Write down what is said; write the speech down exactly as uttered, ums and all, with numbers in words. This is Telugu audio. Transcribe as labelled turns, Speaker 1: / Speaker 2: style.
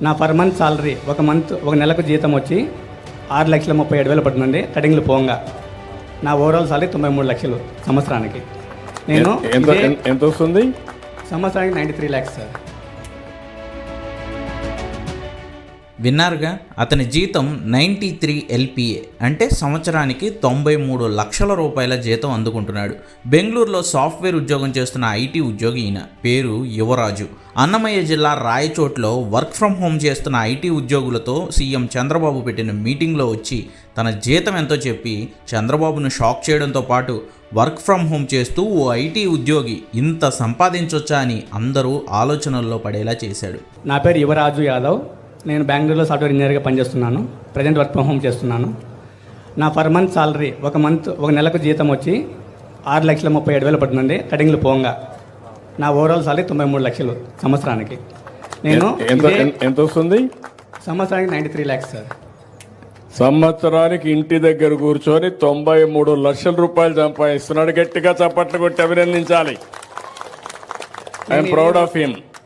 Speaker 1: నా పర్ మంత్ సాలరీ ఒక మంత్ ఒక నెలకు జీతం వచ్చి ఆరు లక్షల ముప్పై ఏడు వేలు పడుతుందండి. కటింగ్లు పోంగా నా ఓవరాల్ సాలరీ తొంభై మూడు లక్షలు సంవత్సరానికి. నేను
Speaker 2: ఎంత
Speaker 1: ఇదే
Speaker 2: ఎంత వస్తుంది?
Speaker 1: సంవత్సరానికి నైంటీ త్రీ ల్యాక్స్ సార్.
Speaker 3: విన్నారుగా, అతని జీతం నైంటీ త్రీ ఎల్పిఏ అంటే సంవత్సరానికి తొంభై మూడు లక్షల రూపాయల జీతం అందుకుంటున్నాడు. బెంగళూరులో సాఫ్ట్వేర్ ఉద్యోగం చేస్తున్న ఐటీ ఉద్యోగి ఈయన. పేరు యువరాజు. అన్నమయ్య జిల్లా రాయచోట్లో వర్క్ ఫ్రమ్ హోమ్ చేస్తున్న ఐటీ ఉద్యోగులతో సీఎం చంద్రబాబు పెట్టిన మీటింగ్లో వచ్చి తన జీతం ఎంతో చెప్పి చంద్రబాబును షాక్ చేయడంతో పాటు వర్క్ ఫ్రమ్ హోమ్ చేస్తూ ఓ ఐటీ ఉద్యోగి ఇంత సంపాదించొచ్చా అని అందరూ ఆలోచనల్లో పడేలా చేశాడు.
Speaker 1: నా పేరు యువరాజు యాదవ్. నేను బెంగళూరులో సాఫ్ట్వేర్ ఇంజనీర్గా పనిచేస్తున్నాను. ప్రజెంట్ వర్క్ ఫ్రమ్ హోమ్ చేస్తున్నాను. నా పర్ మంత్ సాలరీ ఒక మంత్ ఒక నెలకు జీతం వచ్చి ఆరు లక్షల ముప్పై ఏడు వేలు పడుతుందండి. కటింగ్లు పోంగా నా ఓవరాల్ సాలరీ తొంభై మూడు లక్షలు సంవత్సరానికి. నేను
Speaker 2: ఎంత
Speaker 1: ఇదే
Speaker 2: ఎంత వస్తుంది?
Speaker 1: సంవత్సరానికి నైంటీ త్రీ ల్యాక్స్ సార్.
Speaker 2: సంవత్సరానికి ఇంటి దగ్గర కూర్చొని తొంభై మూడు లక్షల రూపాయలు సంపాదిస్తున్నాడు. గట్టిగా చప్పట్లు కొట్టి అభినందించాలి. I'm proud of him.